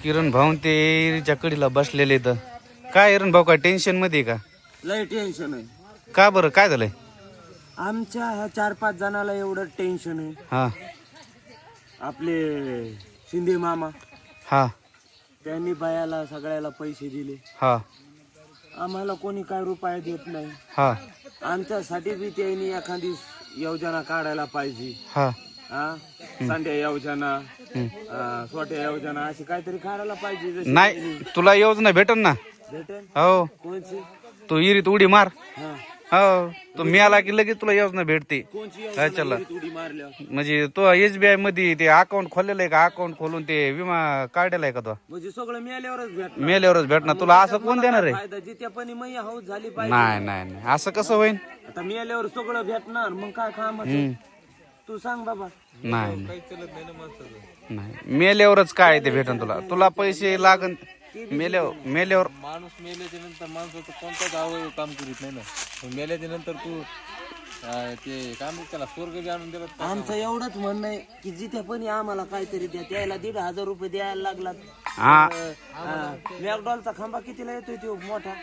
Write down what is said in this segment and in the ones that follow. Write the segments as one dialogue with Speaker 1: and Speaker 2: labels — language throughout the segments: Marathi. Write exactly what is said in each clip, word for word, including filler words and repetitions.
Speaker 1: किरण भाऊ ते इरीच्या कडीला बसलेले तर काय किरण भाऊ काय टेन्शन मध्ये आहे का?
Speaker 2: लय टेन्शन आहे.
Speaker 1: का बरं काय झालंय?
Speaker 2: आमच्या ह्या चार पाच जणाला एवढं टेन्शन आहे.
Speaker 1: हा
Speaker 2: आपले शिंदे मामा
Speaker 1: हा
Speaker 2: त्यांनी बायाला सगळ्याला पैसे दिले.
Speaker 1: हा
Speaker 2: आम्हाला कोणी काय रुपये देत नाही.
Speaker 1: हा
Speaker 2: आमच्यासाठी बी त्यांनी एखादी योजना काढायला पाहिजे.
Speaker 1: हा
Speaker 2: हा संध्या योजना, अं, सोट्या योजना अशी काहीतरी काढायला पाहिजे. जशी
Speaker 1: नाही तुला योजना भेटन ना.
Speaker 2: भेटेल
Speaker 1: हो
Speaker 2: कोणची?
Speaker 1: तू इरीत उडी मार.
Speaker 2: हा
Speaker 1: हो तू मी आला की लगेच तुला योजना भेटते.
Speaker 2: कोणची
Speaker 1: काय चाललं?
Speaker 2: योजना उडी मारल्यावर
Speaker 1: म्हणजे तो एसबीआय मध्ये ते अकाउंट खोललेलं आहे का? अकाउंट खोलून ते विमा काढलेला आहे का तो?
Speaker 2: म्हणजे सगळं मिळाल्यावरच भेटणार.
Speaker 1: मेल्यावरच भेटणार तुला. असं कोण देणार आहे?
Speaker 2: फायदा जिथे पण मग हाऊस झाली पाहिजे.
Speaker 1: नाही नाही नाही असं कसं होईल?
Speaker 2: आता मिळाल्यावर सगळं भेटणार मग काय काम तू सांग बाबा.
Speaker 1: नाही नाही मेल्यावरच काय ते भेटन तुला. तुला पैसे लागन मेल्यावर. मेल्यावर
Speaker 3: माणूस मेल्याच्या नंतर माणसाचं कोणताच अवयव काम करीत नाही ना. मेल्याच्या नंतर तू अं, ते काय म्हणतात त्याला स्वर्ग बी आणून दिला.
Speaker 2: आमचं एवढंच म्हणणं आहे की जिथे पण आम्हाला काहीतरी द्या. त्याला दीड हजार रुपये द्यायला लागलात.
Speaker 1: हा
Speaker 2: मॅकडॉलचा खांबा कितीला येतोय तो मोठा?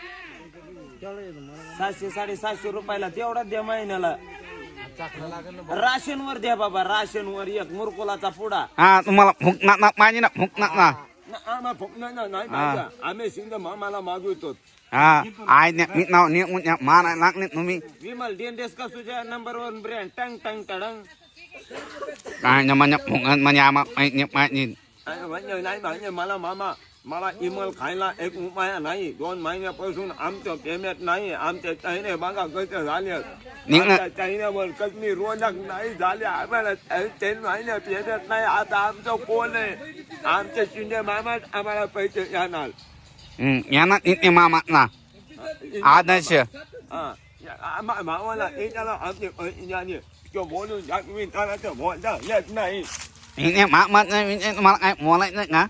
Speaker 2: सातशे साडेसातशे रुपयाला तेवढाच द्या महिन्याला. राशनवर द्या बाबा. राशनवर एक मुरकुलाचा पुडा.
Speaker 1: हा तुम्हाला भूक ना ना माझी ना भूक ना ना
Speaker 2: आम्हाला फुकणार नाही पाहिजे. आम्ही शिंदे मामाला मागवतो.
Speaker 1: हा आय मी नाव ने माना लागले तुम्ही
Speaker 2: विमल डेंडेस का तुझ्या नंबर वन ब्रँड टंग टंग टडंग.
Speaker 1: काय ना म्हणजे भूक म्हणजे आम्हा माझी
Speaker 2: म्हणजे नाही म्हणजे मला मामा मला इमल खायला एक उपाय नाही. दोन महिन्यापासून आमचं पेमेंट नाही. आमच्या चायने बघा कसे झाले. आमच्या चायन्यावर कसली रोजक नाही झाले. आम्हाला तीन महिने पेमेंट नाही. आता आमचं कोण आहे? आमचे शिंदे मामा आम्हाला पैसे येणार.
Speaker 1: यांना इथे मामा ना आदर्श
Speaker 2: मामाला त्याला आमचे पैसे तो बोलून दाखवी त्याला तर बोलता येत नाही.
Speaker 1: इथे मामा तुम्हाला काय बोलायचं का?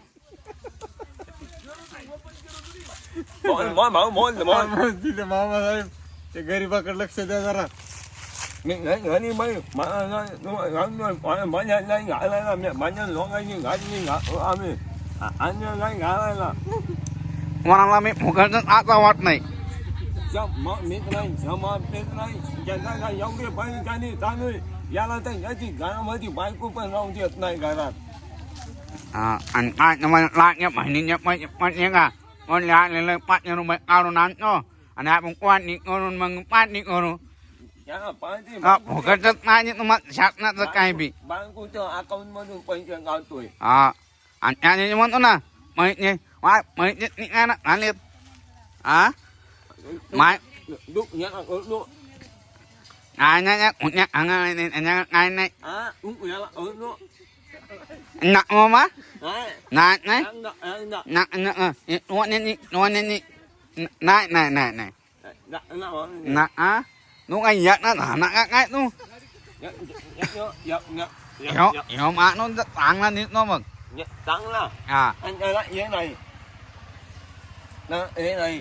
Speaker 2: बोल बोल बोल बोल.
Speaker 3: तिथे मामा साहेब ते गरीबाकडे लक्ष द्या जरा.
Speaker 2: मी नाही घरी बाई माझ्या नाही घालायला. माझ्या लोकांनी घातली आम्ही अन्य नाही घालायला.
Speaker 1: कोणाला मी फुकट आता वाट नाही.
Speaker 2: मीच नाही जमा पेत नाही. ज्यांना एवढे पैसे त्याने चालू याला तर याची घरामध्ये बायको पण राहू देत नाही घरात.
Speaker 1: आणि काय तुम्हाला लागल्या बहिणीचे पैसे पडले का? म्हणले आलेलं पाचशे रुपये काढून आणतो आणि आपण पाणी करून मग पाणी करू.
Speaker 2: याला पाहिजे
Speaker 1: फुकटच नाही तुम्हाला शासनाचं काय बी.
Speaker 2: बायकोच्या अकाउंट मधून पैसे घालतोय.
Speaker 1: हा आणि त्याने म्हणतो ना पैसे वाय पैसे निघायला आलेत. हा माय
Speaker 2: दुख याला करतो.
Speaker 1: काय नाही कुठल्या अंगाने त्याच्या काय नाही
Speaker 2: हा दुख याला करतो.
Speaker 1: ना मामा
Speaker 2: नाही
Speaker 1: नाही नाही
Speaker 2: एकदा एकदा
Speaker 1: ना ना दोन्ही दोन्ही नाही नाही नाही नाही ना आ तू काय येत ना ना का काय तू ह्यो ह्यो माणूस चांगला निघतो मग.
Speaker 2: चांगला
Speaker 1: हा
Speaker 2: आणि त्याला हे नाही ना हे नाही.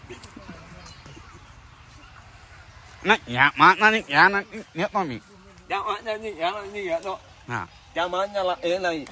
Speaker 1: नाही ह्या माणसाने ह्या ना नेतो मी.
Speaker 2: त्या माणसाने याला नाही घेतो.
Speaker 1: हा
Speaker 2: त्या माणसाला हे नाही.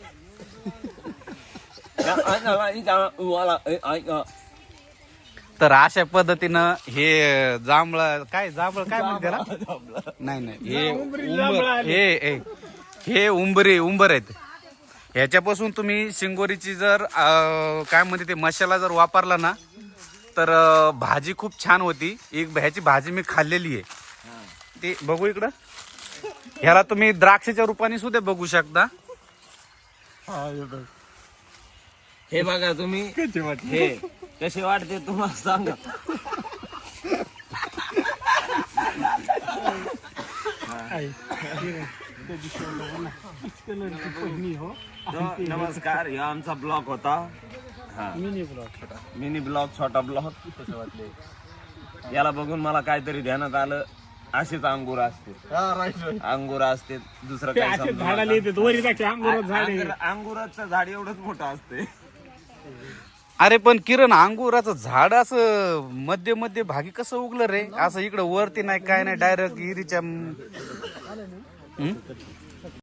Speaker 2: त्या माणसाला त्याला तुम्हाला हे ऐका.
Speaker 1: तर अशा पद्धतीनं हे जांभळ काय जांभळ काय म्हणते त्याला? नाही नाही हे उंबर हे हे- हे उंबरे उंबर आहेत. ह्याच्यापासून तुम्ही शिंगोरीची जर अं, काय म्हणते ते मसाला जर वापरला ना तर अं, भाजी खूप छान होती. एक ह्याची भाजी मी खाल्लेली आहे. ते बघू इकडं. ह्याला तुम्ही द्राक्षाच्या रूपाने सुद्धा बघू शकता.
Speaker 2: हे बघा तुम्ही हे कसे वाटते तुम्हाला सांगा. नमस्कार. हा आमचा ब्लॉग होता. मिनी ब्लॉग छोटा मिनी ब्लॉग छोटा ब्लॉग. कसं वाटले याला बघून मला काहीतरी ध्यानात आलं. असेच अंगूर असते अंगूर असते दुसरं काय अंगुराचं झाड एवढंच मोठं असते.
Speaker 1: अरे पण किरण अंगुराचं झाड असं मध्य मध्य भागी कसं उगलं रे? असं इकडं वरती नाही काय नाही डायरेक्ट इरीच्या